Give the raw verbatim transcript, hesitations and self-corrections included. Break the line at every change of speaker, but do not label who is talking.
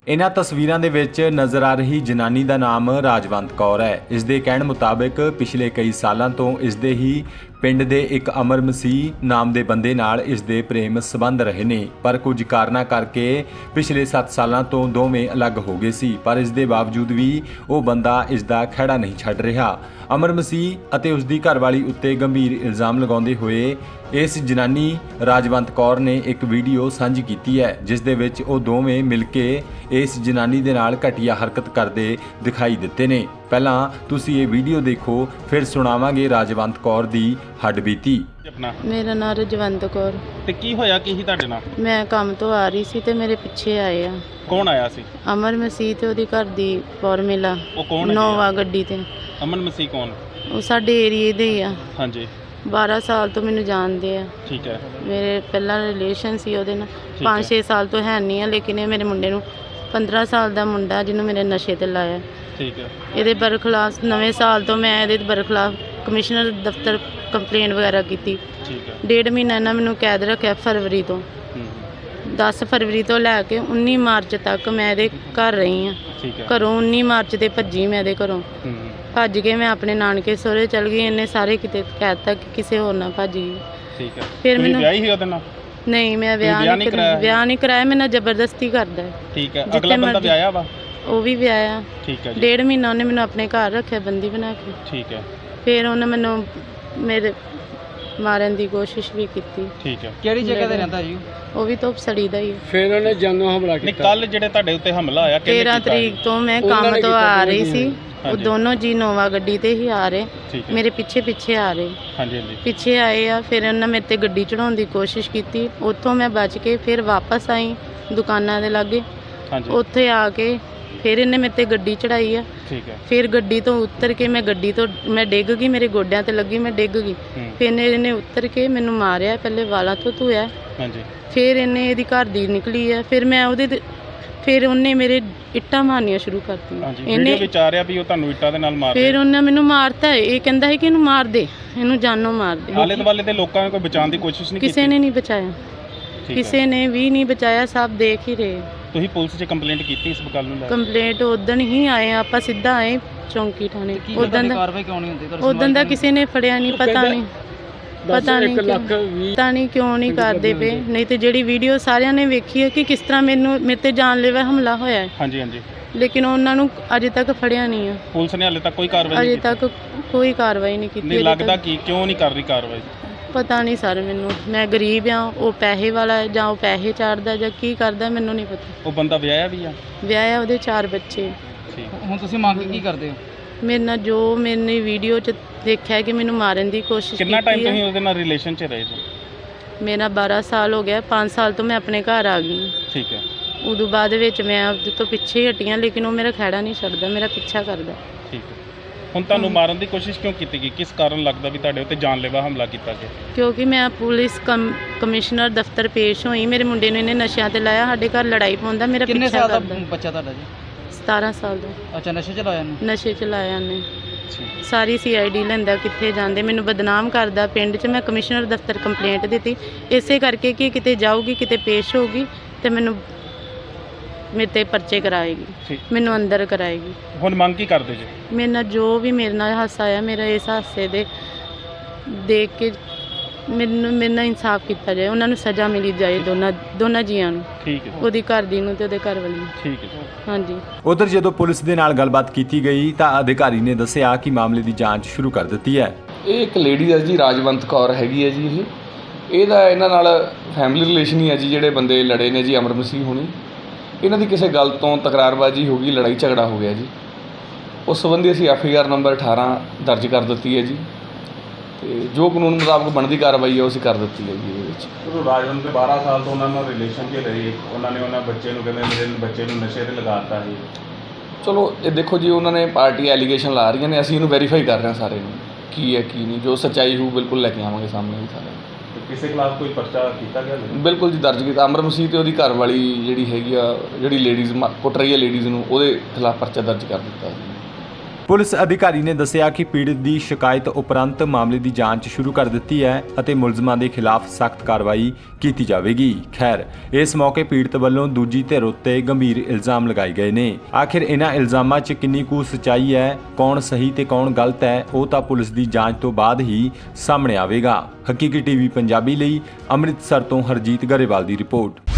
इन्हां तस्वीरां दे विच नज़र आ रही जनानी दा नाम राजवंत कौर है। इस दे कहण मुताबिक पिछले कई सालां तो इस दे ही पिंड दे एक अमर मसीह नाम दे बंदे नाल इस दे प्रेम संबंध रहे ने, पर कुछ कारणा करके पिछले सत्त सालां तो दोवें अलग हो गए सी। पर इस दे बावजूद भी वो बंदा इस दा खैड़ा नहीं छड्ड रहा। अमर मसीह अते उस दी घरवाली उत्ते गंभीर इल्जाम लगाउंदे होए इस जनानी राजवंत कौर ने एक वीडियो साझी की है, जिस दे विच वो दोवें मिल के इस जनानी दे नाल घटिया हरकत करते दिखाई दिते ने। पहला तुसी ये वीडियो देखो, फिर सुनावांगे राजवंत कौर दी हड्डबीती।
मेरा नाम रजवंत कौर।
ਤੇ ਕੀ ਹੋਇਆ ਕੀ ਸੀ ਤੁਹਾਡੇ ਨਾਲ?
ਮੈਂ ਕੰਮ ਤੋਂ ਆ ਰਹੀ ਸੀ ਤੇ ਮੇਰੇ ਪਿੱਛੇ ਆਏ ਆ
ਕੌਣ ਆਇਆ ਸੀ?
ਅਮਰ ਮਸੀਹ ਤੇ ਉਹਦੀ ਘਰ ਦੀ ਫਾਰਮੂਲਾ
ਉਹ ਕੌਣ ਹੈ?
ਨੋਵਾ ਗੱਡੀ ਤੇ।
ਅਮਨ ਮਸੀਹ ਕੌਣ?
ਉਹ ਸਾਡੇ ਏਰੀਏ ਦੇ ਹੀ ਆ।
ਹਾਂਜੀ
ਬਾਰਾਂ ਸਾਲ ਤੋਂ ਮੈਨੂੰ ਜਾਣਦੇ ਆ।
ਠੀਕ ਹੈ।
ਮੇਰੇ ਪਹਿਲਾਂ ਰਿਲੇਸ਼ਨ ਸੀ ਉਹਦੇ ਨਾਲ, ਪੰਜ ਛੇ ਸਾਲ ਤੋਂ ਹੈ ਨਹੀਂ ਆ, ਲੇਕਿਨ ਇਹ ਮੇਰੇ ਮੁੰਡੇ ਨੂੰ ਪੰਦਰਾਂ ਸਾਲ ਦਾ ਮੁੰਡਾ ਜਿਹਨੂੰ ਮੇਰੇ ਨਸ਼ੇ ਤੇ ਲਾਇਆ।
ਠੀਕ ਹੈ।
ਇਹਦੇ ਬਰਖਲਾਫ ਨਵੇਂ ਸਾਲ ਤੋਂ ਮੈਂ ਇਹਦੇ ਬਰਖਲਾਫ ਕਮਿਸ਼ਨਰ ਦਫ਼ਤਰ ਕੰਪਲੇਂਟ ਵਗੈਰਾ ਕੀਤੀ।
ਠੀਕ ਹੈ।
ਡੇਢ ਮਹੀਨਾ ਇਹਨਾਂ ਮੈਨੂੰ ਕੈਦ ਰੱਖਿਆ ਫਰਵਰੀ ਤੋਂ। ਦਸ ਫਰਵਰੀ ਤੋਂ ਲੈ ਕੇ ਉੱਨੀ ਮਾਰਚ ਤੱਕ ਮੈਂ ਇਹਦੇ ਘਰ ਰਹੀ ਹਾਂ।
ਠੀਕ ਹੈ।
ਘਰੋਂ ਉੱਨੀ ਮਾਰਚ ਤੇ ਭੱਜੀ ਮੈਂ ਇਹਦੇ ਘਰੋਂ। ਭੱਜ ਕੇ ਮੈਂ ਆਪਣੇ ਨਾਨਕੇ ਸਹੁਰੇ ਚਲ ਗਈ। ਇਹਨੇ ਸਾਰੇ ਕਿਤੇ ਕਹਿ ਦਿੱਤਾ ਕਿ ਕਿਸੇ ਹੋਰ ਨਾਲ ਭੱਜ ਗਈ।
ਠੀਕ ਹੈ।
ਫਿਰ
ਤੁਸੀਂ
ਮੈਨੂੰ
ਵਿਆਹੀ ਸੀ ਉਹਦੇ ਨਾਲ?
ਨਹੀਂ, ਮੈਂ ਵਿਆਹ
ਵਿਆਹ
ਨਹੀਂ
ਨਹੀਂ
ਕਰਾਇਆ।
ਕਰਾਇਆ?
ਵਿਆਹ ਨਹੀਂ ਕਰਾਇਆ, ਮੇਰੇ ਨਾਲ ਜ਼ਬਰਦਸਤੀ ਕਰਦਾ ਹੈ।
ਠੀਕ ਹੈ।
ਜਿੱਥੇ
ਅਗਲਾ ਬੰਦਾ
ਮਰਜ਼ੀ-
ਵਿਆਹਿਆ ਵਾ?
ਉਹ ਵੀ ਵਿਆਹਿਆ।
ਠੀਕ ਹੈ ਜੀ।
ਡੇਢ ਮਹੀਨਾ ਉਹਨੇ ਮੈਨੂੰ ਆਪਣੇ ਘਰ ਰੱਖਿਆ ਬੰਦੀ ਬਣਾ ਕੇ।
ਠੀਕ ਹੈ।
ਫਿਰ ਉਹਨੇ ਮੈਨੂੰ ਮੇਰੇ ਮਾਰਨ ਦੀ ਕੋਸ਼ਿਸ਼ ਵੀ ਕੀਤੀ।
ਠੀਕ ਹੈ।
ਕਿਹੜੀ ਜਗ੍ਹਾ ਤੇ ਰਹਿੰਦਾ ਜੀ?
ਉਹ ਵੀ ਧੁੱਪ ਸੜੀ ਦਾ ਹੀ ਹੈ।
ਫਿਰ ਉਹਨੇ ਜਾਨੋਂ ਹਮਲਾ
ਨਹੀਂ, ਕੱਲ ਜਿਹੜੇ ਤੁਹਾਡੇ ਉੱਤੇ ਹਮਲਾ ਹੋਇਆ ਕਿਹਨੇ
ਤੇਰਾਂ
ਕੀਤਾ?
ਤਰੀਕ ਤੋਂ ਮੈਂ
ਉਹਨਾਂ
ਕੰਮ
ਨੇ
ਤੋਂ
ਕੀਤਾ,
ਆ
ਦੋਨੋਂ
ਰਹੀ
ਜੀ।
ਸੀ। ਉਹ
ਹਾਂਜੀ।
ਦੋਨੋਂ ਜੀ ਨੋਵਾ ਗੱਡੀ ਤੇ ਹੀ ਆ ਰਹੇ,
ਠੀਕ ਹੈ।
ਮੇਰੇ ਪਿੱਛੇ ਪਿੱਛੇ ਆ ਰਹੇ।
ਹਾਂਜੀ ਹਾਂਜੀ।
ਪਿੱਛੇ ਆਏ ਆ। ਫਿਰ ਉਹਨਾਂ ਮੇਰੇ ਤੇ ਗੱਡੀ ਚੜਾਉਣ ਦੀ ਕੋਸ਼ਿਸ਼ ਕੀਤੀ। ਉੱਥੋਂ ਮੈਂ ਬਚ ਕੇ ਫਿਰ ਵਾਪਸ ਆਈ ਦੁਕਾਨਾਂ ਦੇ ਲਾਗੇ।
ਹਾਂਜੀ।
ਉੱਥੇ ਆ ਕੇ ਫਿਰ ਇਹਨੇ ਮੇਰੇ ਤੇ ਗੱਡੀ ਚੜਾਈ ਆ।
ਠੀਕ ਹੈ।
ਫਿਰ ਗੱਡੀ ਤੋਂ ਉਤਰ ਕੇ ਮੈਂ ਗੱਡੀ ਤੋਂ ਮੈਂ ਡਿੱਗ ਗਈ, ਮੇਰੇ ਗੋਡਿਆਂ ਤੇ ਲੱਗੀ, ਮੈਂ ਡਿੱਗ ਗਈ।
ਹੂੰ।
ਫਿਰ ਇਹਨੇ ਇਹਨੇ ਉਤਰ ਕੇ ਮੈਨੂੰ ਮਾਰਿਆ, ਪਹਿਲੇ ਵਾਲਾਂ ਤੋਂ ਧੋਇਆ।
ਹਾਂਜੀ।
ਫਿਰ ਇਹਨੇ ਇਹਦੀ ਘਰ ਦੀ ਨਿਕਲੀ ਆ। ਫਿਰ ਮੈਂ ਉਹਦੇ ਤੇ ਫਿਰ ਉਹਨੇ ਮੇਰੇ ਇੱਟਾਂ ਮਾਰਨੀਆਂ ਸ਼ੁਰੂ ਕਰਤੀਆਂ।
ਹਾਂਜੀ। ਵੀਡੀਓ ਵਿੱਚ ਆ ਰਿਹਾ ਵੀ ਉਹ ਤੁਹਾਨੂੰ ਇੱਟਾਂ ਦੇ ਨਾਲ ਮਾਰ
ਫਿਰ
ਰਿਹਾ।
ਉਹਨੇ ਮੈਨੂੰ ਮਾਰਤਾ। ਇਹ ਕਹਿੰਦਾ ਹੈ ਕਿ ਇਹਨੂੰ ਮਾਰ ਦੇ, ਇਹਨੂੰ ਜਾਨੋਂ ਮਾਰ ਦੇ।
ਆਲੇ ਦੁਆਲੇ ਦੇ ਲੋਕਾਂ ਨੇ ਕੋਈ ਬਚਾਉਣ ਦੀ ਕੋਸ਼ਿਸ਼ ਨਹੀਂ ਕੀਤੀ?
ਕਿਸੇ ਨੇ ਨਹੀਂ ਬਚਾਇਆ,
ਠੀਕ ਹੈ।
ਕਿਸੇ ਨੇ ਵੀ ਨਹੀਂ ਬਚਾਇਆ, ਸਭ ਦੇਖ ਹੀ ਰਹੇ।
ਤੁਸੀਂ ਪੁਲਿਸ 'ਚ ਕੰਪਲੇਂਟ ਕੀਤੀ ਇਸ ਗੱਲ ਨੂੰ ਲੈ ਕੇ?
ਕੰਪਲੇਂਟ ਉਦੋਂ ਹੀ ਆਏ ਆ, ਆਪਾਂ ਸਿੱਧਾ ਆਏ ਚੌਂਕੀ ਥਾਣੇ। ਉਦੋਂ ਦਾ
ਕਾਰਵਾਈ ਕਿਉਂ ਨਹੀਂ ਹੁੰਦੀ?
ਉਦੋਂ ਦਾ ਕਿਸੇ ਨੇ ਫੜਿਆ ਨਹੀਂ, ਪਤਾ ਨਹੀਂ ਪਤਾ ਨਹੀਂ ਕਿਉਂ ਪਤਾ ਨਹੀਂ ਕਿਉਂ ਨਹੀਂ ਕਰਦੇ ਪਏ। ਨਹੀਂ ਤੇ ਜਿਹੜੀ ਵੀਡੀਓ ਸਾਰਿਆਂ ਨੇ ਵੇਖੀ ਹੈ ਕਿ ਕਿਸ ਤਰ੍ਹਾਂ ਮੈਨੂੰ ਮੇਰੇ ਤੇ ਜਾਨਲੇਵਾ ਹਮਲਾ ਹੋਇਆ ਹੈ,
ਹਾਂਜੀ ਹਾਂਜੀ।
ਲੇਕਿਨ ਉਹਨਾਂ ਨੂੰ ਅਜੇ ਤੱਕ ਫੜਿਆ ਨਹੀਂ ਆ।
ਪੁਲਿਸ ਨੇ ਹਾਲੇ ਤੱਕ ਕੋਈ ਕਾਰਵਾਈ ਨਹੀਂ
ਅਜੇ
ਕੀਤੀ?
ਤੱਕ ਕੋਈ ਕਾਰਵਾਈ ਨਹੀਂ ਕੀਤੀ।
ਨਹੀਂ
ਅਜੇ
ਲੱਗਦਾ
ਤੱਕ
ਕਿ ਕਿਉਂ ਨਹੀਂ ਕਰ ਰਹੀ ਕਾਰਵਾਈ?
ਪਤਾ ਨਹੀਂ ਸਰ, ਮੈਨੂੰ ਮੈਂ ਗਰੀਬ ਆ, ਉਹ ਪੈਸੇ ਵਾਲਾ ਹੈ, ਜਾਂ ਉਹ ਪੈਸੇ ਚਾੜਦਾ ਜਾਂ ਕੀ ਕਰਦਾ ਮੈਨੂੰ ਨਹੀਂ ਪਤਾ।
ਉਹ ਬੰਦਾ ਵਿਆਹਿਆ ਵੀ ਆ?
ਵਿਆਹਿਆ, ਉਹਦੇ ਚਾਰ ਬੱਚੇ।
ਠੀਕ।
ਹੁਣ ਤੁਸੀਂ ਮੰਗ ਕੀ ਕਰਦੇ ਹੋ?
ਮੇਰੇ ਨਾਲ ਜੋ ਮੈਨੇ ਵੀਡੀਓ 'ਚ ਦੇਖਿਆ ਕਿ ਮੈਨੂੰ ਮਾਰਨ ਦੀ ਕੋਸ਼ਿਸ਼
ਕਿੰਨਾ ਟਾਈਮ
ਕੀਤੀ
ਤੁਸੀਂ
ਹੈ।
ਉਹਦੇ ਨਾਲ ਰਿਲੇਸ਼ਨ 'ਚ ਰਹੇ ਸੀ?
ਮੇਰਾ ਬਾਰਾਂ ਸਾਲ ਹੋ ਗਿਆ। ਪੰਜ ਸਾਲ ਤੋਂ ਮੈਂ ਆਪਣੇ ਘਰ ਆ ਗਈ।
ਠੀਕ ਹੈ।
ਉਦੋਂ ਬਾਅਦ ਵਿੱਚ ਮੈਂ ਉਹਦੇ ਤੋਂ ਪਿੱਛੇ ਹੀ ਹਟੀਆਂ, ਲੇਕਿਨ ਉਹ ਮੇਰਾ ਖਹਿੜਾ ਨਹੀਂ ਛੱਡਦਾ, ਮੇਰਾ ਪਿੱਛਾ ਕਰਦਾ।
ਠੀਕ ਹੈ। ਹੁਣ ਤੁਹਾਨੂੰ ਮਾਰਨ ਦੀ ਕੋਸ਼ਿਸ਼ ਕਿਉਂ ਕੀਤੀ ਗਈ? ਕਿਸ ਕਾਰਨ ਲੱਗਦਾ ਵੀ ਤੁਹਾਡੇ ਉੱਤੇ ਜਾਨਲੇਵਾ ਹਮਲਾ ਕੀਤਾ ਗਿਆ?
ਕਿਉਂਕਿ ਮੈਂ ਪੁਲਿਸ ਕਮ ਕਮਿਸ਼ਨਰ ਦਫ਼ਤਰ ਪੇਸ਼ ਹੋਈ। ਮੇਰੇ ਮੁੰਡੇ ਨੂੰ ਇਹਨੇ ਨਸ਼ਿਆਂ ਤੇ ਲਾਇਆ, ਸਾਡੇ ਘਰ ਲੜਾਈ ਪਾਉਂਦਾ, ਮੇਰਾ
ਕਿੰਨੇ
ਪਿੱਛਾ
ਸਾਲ ਦਾ
ਕਰਦਾ।
ਬੱਚਾ ਤੁਹਾਡਾ ਜੀ?
ਸਤਾਰਾਂ ਸਾਲ ਦਾ।
ਅੱਛਾ, ਨਸ਼ੇ ਚ ਲਾਇਆ ਨੂੰ?
ਨਸ਼ੇ 'ਚ ਲਾਇਆ ਨੇ।
ਠੀਕ।
ਸਾਰੀ ਸੀ ਆਈ ਡੀ ਲੈਂਦਾ, ਕਿੱਥੇ ਜਾਂਦੇ, ਮੈਨੂੰ ਬਦਨਾਮ ਕਰਦਾ ਪਿੰਡ 'ਚ। ਮੈਂ ਕਮਿਸ਼ਨਰ ਦਫ਼ਤਰ ਕੰਪਲੇਂਟ ਦਿੱਤੀ ਇਸੇ ਕਰਕੇ ਕਿ ਕਿਤੇ ਜਾਊਗੀ, ਕਿਤੇ ਪੇਸ਼ ਹੋਊਗੀ ਤੇ ਮੈਨੂੰ ਮੇਰੇ 'ਤੇ ਪਰਚੇ ਕਰਾਏਗੀ,
ਠੀਕ।
ਮੈਨੂੰ ਅੰਦਰ ਕਰਾਏਗੀ।
ਹੁਣ ਮੰਗ ਕੀ ਕਰਦੇ ਜੀ?
ਮੇਰੇ ਨਾਲ ਜੋ ਵੀ ਮੇਰੇ ਨਾਲ ਹਾਸਾ ਆਇਆ, ਮੇਰਾ ਇਸ ਹਾਸੇ ਦੇ ਦੇਖ ਕੇ ਮੈਨੂੰ ਮੇਰੇ ਨਾਲ ਇਨਸਾਫ ਕੀਤਾ ਜਾਏ, ਉਹਨਾਂ ਨੂੰ ਸਜ਼ਾ ਮਿਲੀ ਜਾਏ, ਦੋਨਾਂ ਦੋਨਾਂ ਜੀਆਂ ਨੂੰ,
ਠੀਕ ਹੈ।
ਉਹਦੀ ਘਰ ਦੀ ਨੂੰ ਤੇ ਉਹਦੇ ਘਰ ਵਾਲੀ ਨੂੰ।
ਠੀਕ ਹੈ।
ਹਾਂਜੀ।
ਉਧਰ ਜਦੋਂ ਪੁਲਿਸ ਦੇ ਨਾਲ ਗੱਲਬਾਤ ਕੀਤੀ ਗਈ ਤਾਂ ਅਧਿਕਾਰੀ ਨੇ ਦੱਸਿਆ ਕਿ ਮਾਮਲੇ ਦੀ ਜਾਂਚ ਸ਼ੁਰੂ ਕਰ ਦਿੱਤੀ ਹੈ।
ਇਹ ਇੱਕ ਲੇਡੀ ਹੈ ਜੀ, ਰਾਜਵੰਤ ਕੌਰ ਹੈਗੀ ਹੈ ਜੀ। ਇਹ ਇਹਦਾ ਇਹਨਾਂ ਨਾਲ ਫੈਮਿਲੀ ਰਿਲੇਸ਼ਨ ਹੀ ਹੈ ਜੀ। ਜਿਹੜੇ ਬੰਦੇ ਲੜੇ ਨੇ ਜੀ, ਅਮਰ ਮਸੀਹ ਹੋਣੀ, ਇਹਨਾਂ ਦੀ ਕਿਸੇ ਗੱਲ ਤੋਂ ਤਕਰਾਰਬਾਜ਼ੀ ਹੋ ਗਈ, ਲੜਾਈ ਝਗੜਾ ਹੋ ਗਿਆ ਜੀ। ਉਸ ਸੰਬੰਧੀ ਅਸੀਂ ਐਫ ਆਈ ਆਰ ਨੰਬਰ ਅਠਾਰਾਂ ਦਰਜ ਕਰ ਦਿੱਤੀ ਹੈ ਜੀ, ਤੇ ਜੋ ਕਾਨੂੰਨ ਮੁਤਾਬਕ ਬਣਦੀ ਕਾਰਵਾਈ ਹੈ ਉਹ ਅਸੀਂ ਕਰ ਦਿੱਤੀ ਹੈ ਜੀ ਇਹਦੇ ਵਿੱਚ।
ਉਹ ਰਾਜਵੰਤ ਦੇ ਬਾਰਾਂ ਸਾਲ ਤੋਂ ਉਹਨਾਂ ਨਾਲ ਰਿਲੇਸ਼ਨ 'ਚ ਰਹੇ, ਉਹਨਾਂ ਨੇ ਉਹਨਾਂ ਬੱਚੇ ਨੂੰ ਕਹਿੰਦੇ ਮੇਰੇ ਬੱਚੇ ਨੂੰ ਨਸ਼ੇ 'ਤੇ ਲਗਾਤਾ ਸੀ।
ਚਲੋ ਇਹ ਦੇਖੋ ਜੀ, ਉਹਨਾਂ ਨੇ ਪਾਰਟੀ ਐਲੀਗੇਸ਼ਨ ਲਾ ਰਹੀਆਂ ਨੇ, ਅਸੀਂ ਇਹਨੂੰ ਵੈਰੀਫਾਈ ਕਰ ਰਹੇ ਹਾਂ ਸਾਰੇ ਨੂੰ, ਕੀ ਹੈ ਕੀ ਨਹੀਂ। ਜੋ ਸੱਚਾਈ ਹੋਊ ਬਿਲਕੁਲ ਲੈ ਕੇ ਆਵਾਂਗੇ ਸਾਹਮਣੇ ਜੀ ਸਾਰੇ।
ਕਿਸੇ ਖਿਲਾਫ ਕੋਈ ਪਰਚਾ ਕੀਤਾ ਗਿਆ?
ਬਿਲਕੁਲ ਜੀ ਦਰਜ ਕੀਤਾ। ਅਮਰ ਮਸੀਹ ਤੇ ਉਹਦੀ ਘਰ ਵਾਲੀ ਜਿਹੜੀ ਹੈਗੀ ਆ, ਜਿਹੜੀ ਲੇਡੀਜ਼ ਕੁੱਟ ਰਹੀ ਹੈ ਲੇਡੀਜ਼ ਨੂੰ, ਉਹਦੇ ਖਿਲਾਫ ਪਰਚਾ ਦਰਜ ਕਰ ਦਿੱਤਾ ਜੀ।
ਪੁਲਿਸ ਅਧਿਕਾਰੀ ਨੇ ਦੱਸਿਆ ਕਿ ਪੀੜਤ ਦੀ ਸ਼ਿਕਾਇਤ ਉਪਰੰਤ ਮਾਮਲੇ ਦੀ ਜਾਂਚ ਸ਼ੁਰੂ ਕਰ ਦਿੱਤੀ ਹੈ ਅਤੇ ਮੁਲਜ਼ਮਾਂ ਦੇ ਖਿਲਾਫ ਸਖਤ ਕਾਰਵਾਈ ਕੀਤੀ ਜਾਵੇਗੀ। ਖੈਰ, ਇਸ ਮੌਕੇ ਪੀੜਤ ਵੱਲੋਂ ਦੂਜੀ ਧਿਰ ਉੱਤੇ ਗੰਭੀਰ ਇਲਜ਼ਾਮ ਲਗਾਏ ਗਏ ਨੇ। ਆਖਿਰ ਇਹਨਾਂ ਇਲਜ਼ਾਮਾਂ 'ਚ ਕਿੰਨੀ ਕੁ ਸੱਚਾਈ ਹੈ, ਕੌਣ ਸਹੀ ਤੇ ਕੌਣ ਗਲਤ ਹੈ, ਉਹ ਤਾਂ ਪੁਲਿਸ ਦੀ ਜਾਂਚ ਤੋਂ ਬਾਅਦ ਹੀ ਸਾਹਮਣੇ ਆਵੇਗਾ। ਹਕੀਕੀ ਟੀਵੀ ਪੰਜਾਬੀ ਲਈ ਅੰਮ੍ਰਿਤਸਰ ਤੋਂ ਹਰਜੀਤ ਗਰੇਵਾਲ ਦੀ ਰਿਪੋਰਟ।